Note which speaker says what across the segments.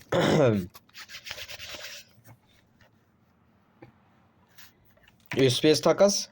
Speaker 1: USPS takas.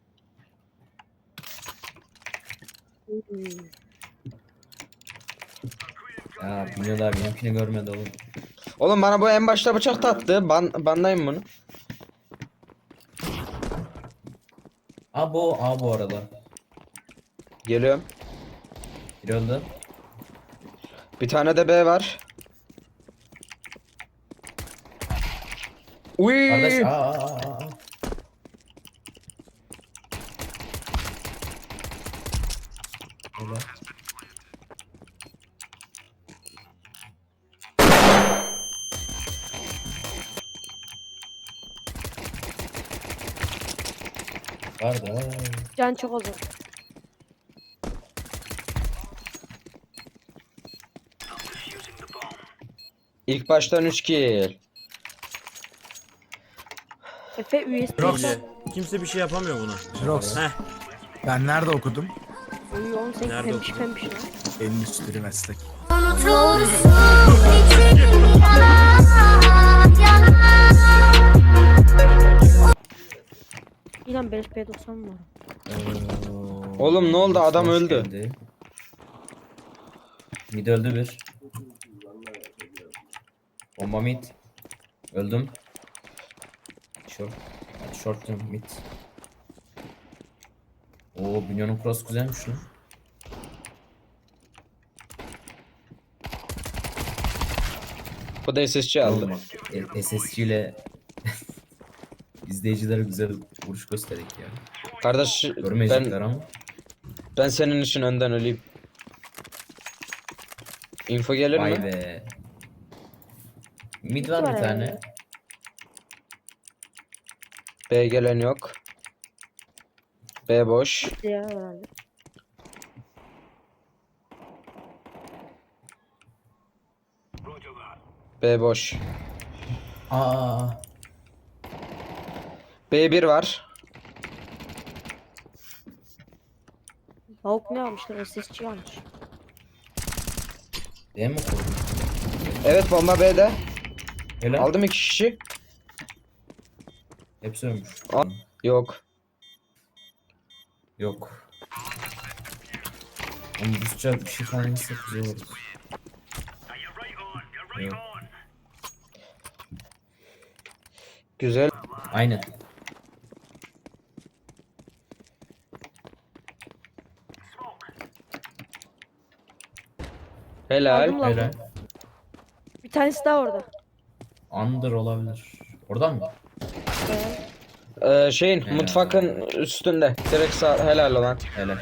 Speaker 2: Ya bilmiyor da benimkini görmedi oğlum.
Speaker 1: Oğlum bana bu en başta bıçak taktı. Bandayım bunu.
Speaker 2: Bu arada.
Speaker 1: Geliyorum.
Speaker 2: Biri öldü.
Speaker 1: Bir tane de B var.
Speaker 2: Kardeş
Speaker 1: Uy!
Speaker 2: Öyle. Kardeş.
Speaker 3: Can çok azal.
Speaker 1: İlk baştan 3 kill.
Speaker 3: Efe USB.
Speaker 4: Rox. Kimse bir şey yapamıyor buna.
Speaker 5: Rox.
Speaker 4: Heh.
Speaker 5: Ben nerede okudum?
Speaker 3: Uy 18
Speaker 4: Nerede
Speaker 3: pembiş
Speaker 4: okudun?
Speaker 3: pembiş lan.
Speaker 5: Endüstri meslek.
Speaker 3: İlan beleş P90 var.
Speaker 1: Oğlum ne oldu? Adam
Speaker 2: Hoş
Speaker 1: öldü.
Speaker 2: geldi. Mid öldü bir. Bomba mid. Öldüm. Short. Hadi short diyorum, mid. Oo, Bünyo'nun cross güzelmiş lan.
Speaker 1: Bu da SSC aldı.
Speaker 2: Oğlum bak, SSC ile izleyicilere güzel vuruş gösterdik ya.
Speaker 1: Kardeş
Speaker 2: Görmeyecekler ama.
Speaker 1: ben senin için önden öleyim. Info gelir
Speaker 2: Vay
Speaker 1: mi?
Speaker 2: be. Mid var bir
Speaker 3: var
Speaker 2: tane.
Speaker 3: herhalde.
Speaker 1: B gelen yok. B boş.
Speaker 3: Ya herhalde.
Speaker 1: B boş.
Speaker 2: Aa.
Speaker 1: B1 var.
Speaker 3: Tavuk ne almışlar? SSC almış.
Speaker 2: Değil mi koydun?
Speaker 1: Evet bomba B'de.
Speaker 2: Öyle.
Speaker 1: Aldım 2 kişi.
Speaker 2: Hepsi ölmüş.
Speaker 1: Al. Yok.
Speaker 2: Yok. Oğlum Rusça bir şey falan etsek güzel olur. Yok.
Speaker 1: Güzel.
Speaker 2: Aynen.
Speaker 1: Helal.
Speaker 3: Aldım lan.
Speaker 2: Öyle.
Speaker 3: Bir tanesi daha orada.
Speaker 2: Under olabilir. Oradan mı?
Speaker 1: Şeyin
Speaker 2: Helal.
Speaker 1: mutfakın üstünde. Direkt sağ helal olan.
Speaker 2: Öyle.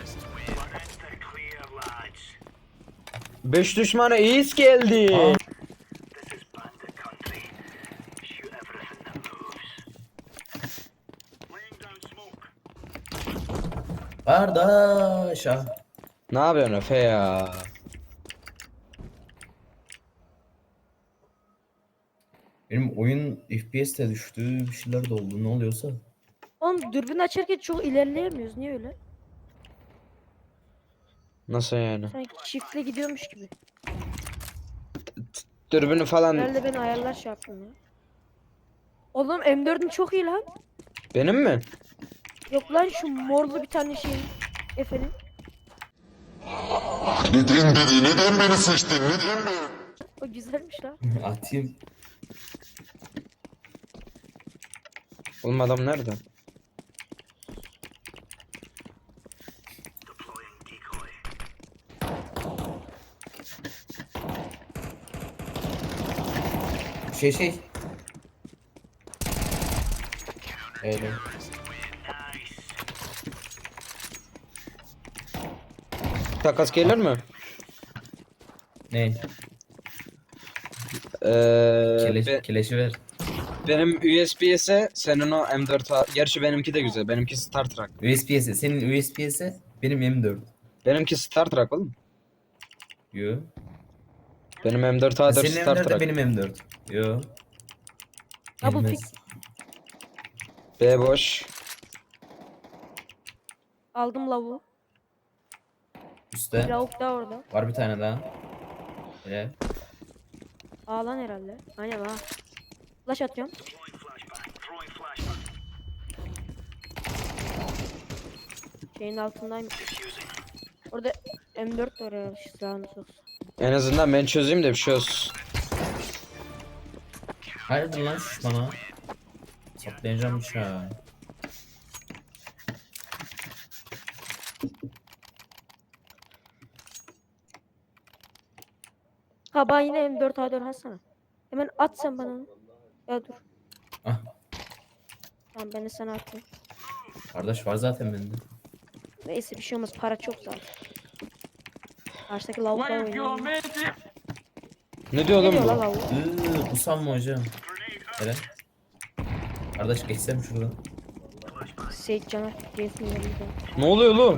Speaker 1: 5 düşmana iyiyiz geldi.
Speaker 2: Kardeş ah.
Speaker 1: Ne yapıyorsun Efe ya?
Speaker 2: Benim oyun FPS'te düştü. Bir şeyler de oldu. Ne oluyorsa.
Speaker 3: Oğlum dürbün açarken çok ilerleyemiyoruz. Niye öyle?
Speaker 1: Nasıl yani?
Speaker 3: Sanki çiftle gidiyormuş gibi.
Speaker 1: Dürbünü falan
Speaker 3: Herhalde ben ayarlar şey yaptım ya. Oğlum M4'ün çok iyi lan.
Speaker 1: benim mi?
Speaker 3: Yok lan şu morlu bir tane şey. Efendim.
Speaker 6: Neden beni, neden beni seçtin, neden beni?
Speaker 3: O güzelmiş lan.
Speaker 2: Atayım.
Speaker 1: Oğlum adam nerede?
Speaker 2: Şey. Öyle.
Speaker 1: Takas gelir mi?
Speaker 2: Ne?
Speaker 1: Be-
Speaker 2: Keleşi ver.
Speaker 1: benim USB'se senin o M4 gerçi benimki de güzel. Benimki Star Trek.
Speaker 2: USB'si. Senin USB'si benim M4.
Speaker 1: Benimki Star Trek oğlum.
Speaker 2: Yo.
Speaker 1: Benim M4A4
Speaker 2: Senin
Speaker 1: Star
Speaker 2: M4 de
Speaker 1: Trek.
Speaker 2: benim M4. Yo.
Speaker 3: Double
Speaker 2: Gelmez.
Speaker 3: pick.
Speaker 1: B boş.
Speaker 3: Aldım lavuğu.
Speaker 2: Üste.
Speaker 3: Lavuk da orada.
Speaker 2: Var bir tane daha. Öyle.
Speaker 3: Ağlan herhalde. Aynen ha. Flash atıyorum. Şeyin altındayım. Orada M4 var ya silahını soksa.
Speaker 1: En azından ben çözeyim de bir şey olsun.
Speaker 2: Hayırdır lan şuş bana. Saplayacağım bıçağı.
Speaker 3: Ha bana yine M4 A4 atsana. Hemen at sen bana onu. Ya dur.
Speaker 2: Ah.
Speaker 3: Tamam ben de sana atayım.
Speaker 2: Kardeş var zaten bende.
Speaker 3: Neyse bir şey olmaz para çok zaten. Karşıdaki lavukla oynuyor.
Speaker 1: Ne diyor
Speaker 3: Ne
Speaker 1: oğlum
Speaker 3: diyor la
Speaker 1: bu?
Speaker 3: lavuk?
Speaker 2: Kusam mı hocam? Hele. Kardeş geçsem şuradan.
Speaker 3: Seyit Caner. Jason yanında.
Speaker 1: Ne oluyor oğlum?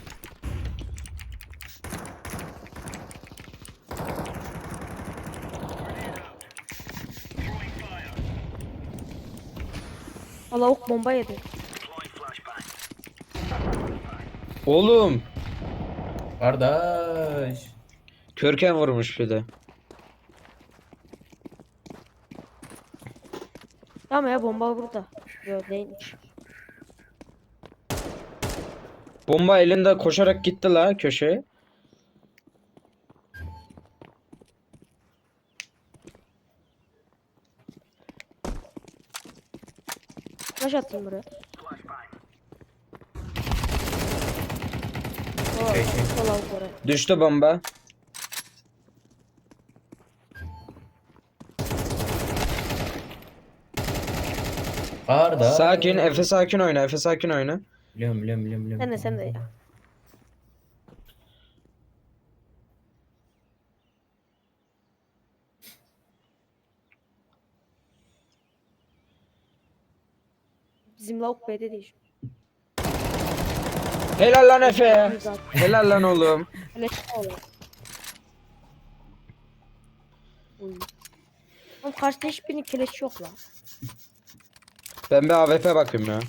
Speaker 3: Ha lavuk bomba yedi.
Speaker 1: Oğlum.
Speaker 2: Kardeş.
Speaker 1: Körken vurmuş bir de.
Speaker 3: Tamam ya bomba burada. Yok değilmiş.
Speaker 1: Bomba elinde koşarak gitti la köşeye.
Speaker 3: Flash attım buraya.
Speaker 2: Şey.
Speaker 3: O lavuk oraya.
Speaker 1: Düştü bomba.
Speaker 2: Kardeş.
Speaker 1: Sakin, Efe sakin oyna, Efe sakin oyna.
Speaker 2: Biliyorum.
Speaker 3: Sen de ya. Bizim lavuk B'de değil.
Speaker 1: Helal lan Efe.
Speaker 3: Zaten.
Speaker 1: Helal lan oğlum.
Speaker 3: Öyle şey oluyor. Uy. Oğlum karşıda hiçbirinin keleşi yok lan.
Speaker 1: Ben bir AWP bakayım ya.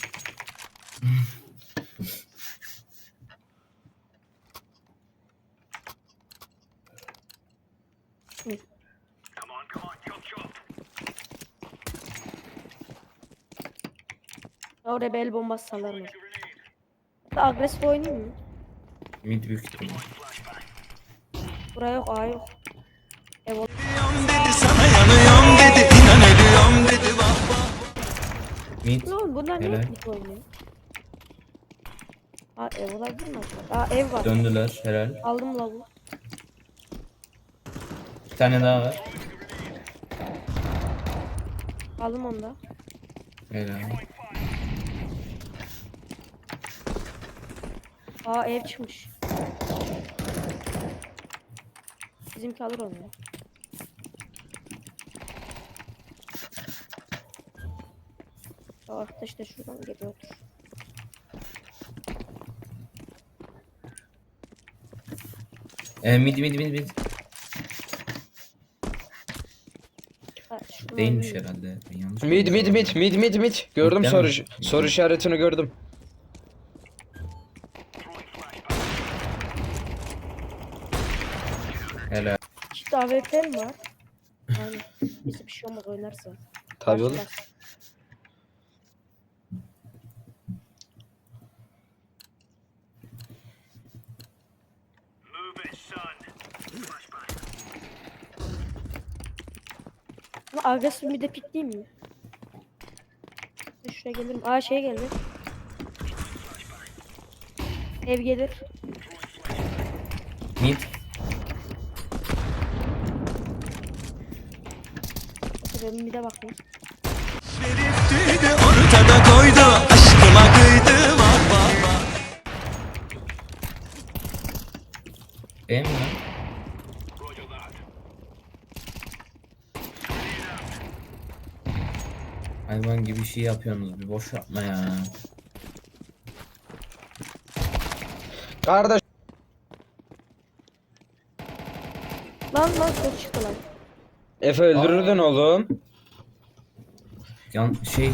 Speaker 3: Oraya bir el bombası salarım. Hatta agresif oynayayım mı?
Speaker 2: Mid büyük ihtimal.
Speaker 3: Buraya yok, A yok. Ev ol-
Speaker 2: Mid.
Speaker 3: Ne oğlum bunlar niye
Speaker 2: Helal.
Speaker 3: mid oynuyor? Aa ev olabilir mi acaba? Aa ev var.
Speaker 2: Döndüler helal.
Speaker 3: Aldım lavu.
Speaker 2: Bir tane daha var.
Speaker 3: Aldım onu da.
Speaker 2: Helal.
Speaker 3: Aa ev çıkmış. Bizimki alır onu ya. Ya arkadaş da şuradan geliyordur.
Speaker 2: Mid.
Speaker 3: Ha, şuradan
Speaker 2: Değilmiş
Speaker 3: alayım.
Speaker 2: herhalde. Ben yanlış
Speaker 1: Mid. Gördüm
Speaker 2: Mid'den
Speaker 1: soru
Speaker 2: mi?
Speaker 1: soru işaretini gördüm.
Speaker 2: Helal.
Speaker 3: İşte AWP mi var? Yani neyse bir şey olmaz oynarsa.
Speaker 1: Tabii oğlum.
Speaker 3: Karşılar. Ama agresif bir de pikleyeyim mi? Şuraya gelirim. Aa şey geldi. Ev gelir.
Speaker 2: Mid.
Speaker 3: Ben bir de bakayım.
Speaker 2: B mi lan? Hayvan gibi şey yapıyorsunuz. Bir boş yapma ya.
Speaker 1: Kardeş.
Speaker 3: Lan çok çıktı lan.
Speaker 1: Efe öldürürdün oğlum.
Speaker 2: Şey.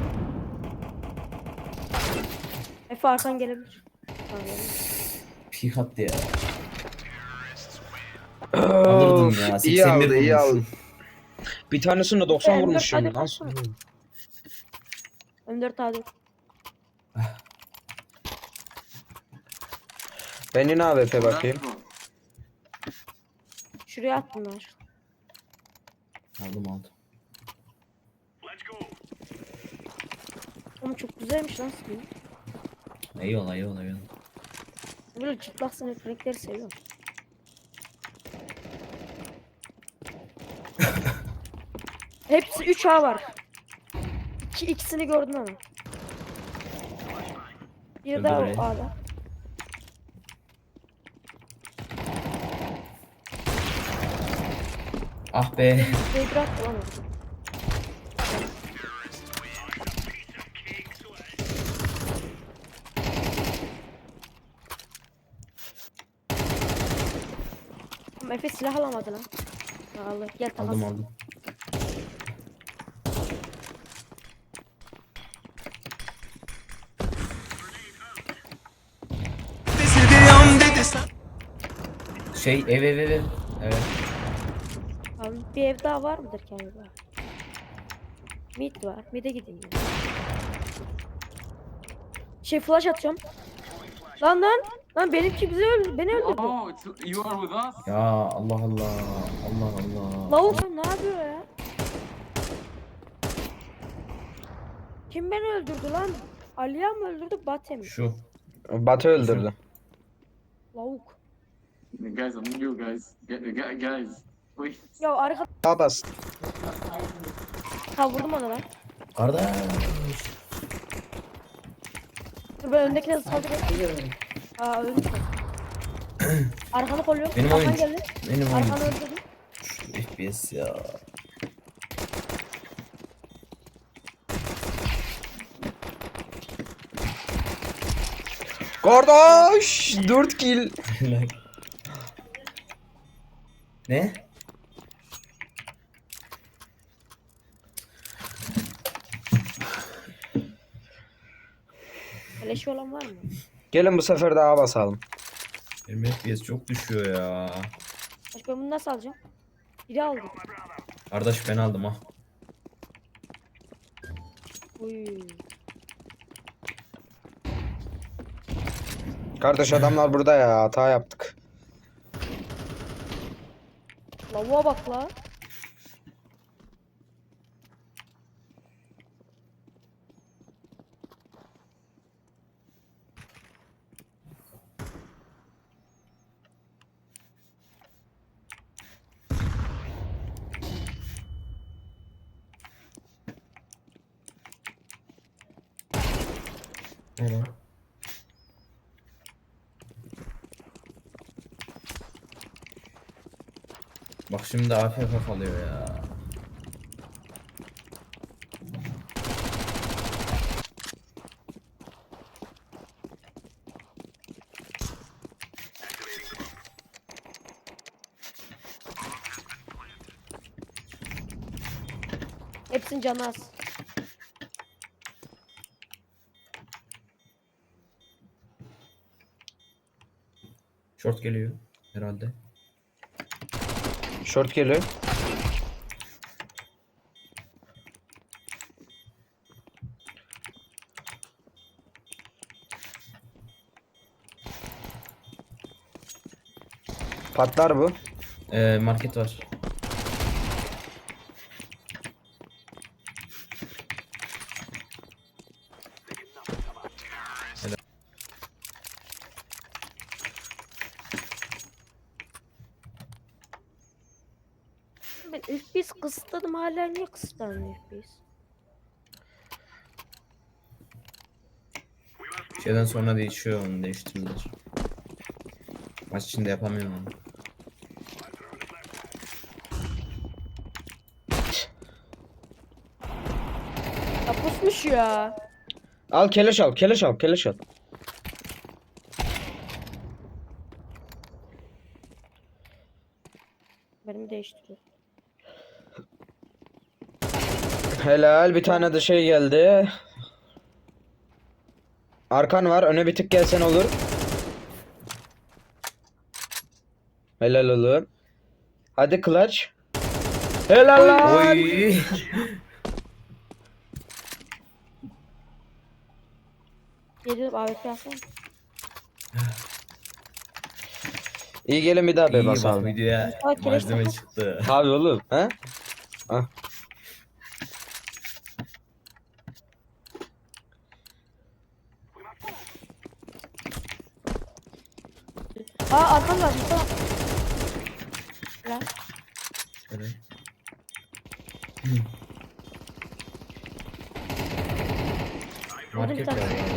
Speaker 3: Efe arkan gelebilir. Tamam, gelebilir.
Speaker 2: Pik attı ya. Alırdım ya.
Speaker 1: iyi
Speaker 2: 81
Speaker 1: aldı, iyi
Speaker 2: vurmuş.
Speaker 1: aldı. Bir tanesinde 90
Speaker 3: M4
Speaker 1: vurmuşum.
Speaker 3: hadi
Speaker 1: Nasıl?
Speaker 3: baksana. M4 A4.
Speaker 1: Ben yine AWP bakayım.
Speaker 3: Şuraya attım ben.
Speaker 2: Aldım.
Speaker 3: Ama çok güzelmiş lan skin.
Speaker 2: Eyvallah.
Speaker 3: Böyle çıplak sınıf renkleri seviyorum. Hepsi 3A var. İkisini gördüm ama. Bir daha
Speaker 2: Öldü biri.
Speaker 3: A'da.
Speaker 2: Ah be.
Speaker 3: Zebra attı lan orada. Ama Efe silah alamadı lan. Allah gel takas.
Speaker 2: Aldım. Ev. Evet.
Speaker 3: Abi bir ev daha var mıdır ki acaba? Mid var. Mid'e gideyim. Flash atacağım. Lan. Lan benimki bizi öldürdü. Beni öldürdü.
Speaker 7: Oh, you are with us?
Speaker 2: Ya Allah.
Speaker 3: Lavuk sen ne yapıyor ya? Kim beni öldürdü lan? Aliya mı öldürdü Bate mi?
Speaker 2: Şu.
Speaker 1: Batı öldürdü.
Speaker 3: Lavuk.
Speaker 7: Guys, I'm new, guys. Guys, wait.
Speaker 3: Ya arka
Speaker 1: A bas.
Speaker 3: vurdum ona lan.
Speaker 2: Kardeş.
Speaker 3: Dur ben öndekine saldırıyorum. Aa öldü. Arkanı kolluyorum.
Speaker 2: Benim
Speaker 3: Arkan
Speaker 2: oyun.
Speaker 3: geldi.
Speaker 2: Benim oyun.
Speaker 3: Arkanı öldürdüm.
Speaker 2: FPS ya.
Speaker 1: Kardeş 4 kill.
Speaker 2: Ne?
Speaker 3: Leşi olan var mı?
Speaker 1: Gelin bu sefer de A basalım.
Speaker 2: Benim FPS çok düşüyor ya.
Speaker 3: Başka ben bunu nasıl alacağım? Biri aldı.
Speaker 2: Kardeş ben aldım ha.
Speaker 3: Uy.
Speaker 1: Kardeş adamlar burada ya, hata yaptık.
Speaker 3: Lavuğa bak la.
Speaker 2: Ne lan? Bak şimdi AFK kalıyor ya.
Speaker 3: Hepsinin canı az.
Speaker 2: Short geliyor herhalde.
Speaker 1: Short geliyor. Patlar bu.
Speaker 2: Market var.
Speaker 3: Ben FPS kısıtladım hala niye kısıtlanmıyor FPS?
Speaker 2: Şeyden sonra değişiyor, onu değiştirdiler. Maç içinde yapamıyorum onu.
Speaker 3: Ya pusmuş ya.
Speaker 1: Al keleş al, keleş al, keleş al.
Speaker 3: Benim değiştiriyor.
Speaker 1: Helal, bir tane de şey geldi. Arkan var, öne bir tık gelsen olur. Helal oğlum. Hadi clutch. Helal lan.
Speaker 2: Oy.
Speaker 3: Geliyorum AWP yapsana.
Speaker 1: İyi gelin bir daha be
Speaker 2: İyi bak
Speaker 1: basalım.
Speaker 2: videoya
Speaker 3: Mustafa Kireç
Speaker 2: malzeme
Speaker 3: takar.
Speaker 2: çıktı.
Speaker 1: Abi oğlum. He?
Speaker 3: Arkam var Mustafa. Lan.
Speaker 2: Evet. Market
Speaker 3: tane.
Speaker 2: var ya.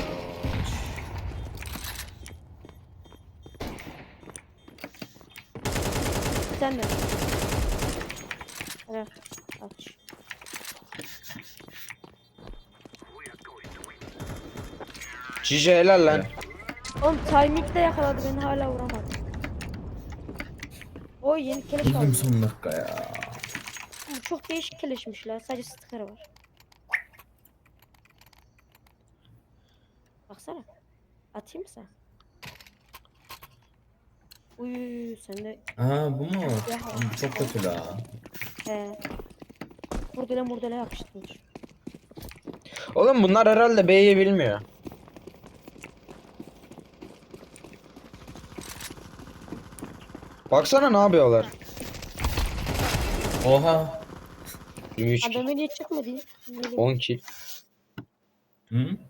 Speaker 3: Sen de. Evet. Aç.
Speaker 1: Cici helal lan.
Speaker 3: Oğlum timing'de yakaladı beni hala vuramadı. Oy yeni keleş
Speaker 2: Buldum
Speaker 3: aldım.
Speaker 2: son dakika ya.
Speaker 3: Bu çok değişik keleşmiş la. Sadece sticker var. Baksana. Atayım mı sen? Uy sen de
Speaker 2: Aa bu mu? Bu çok kötü la.
Speaker 3: Murdele murdele yapıştırmış.
Speaker 1: Oğlum bunlar herhalde B'yi bilmiyor. Baksana ne yapıyorlar.
Speaker 2: Oha.
Speaker 1: 23 kill,
Speaker 3: Adamı niye çıkmadı?
Speaker 1: 10 kill.
Speaker 2: Hı?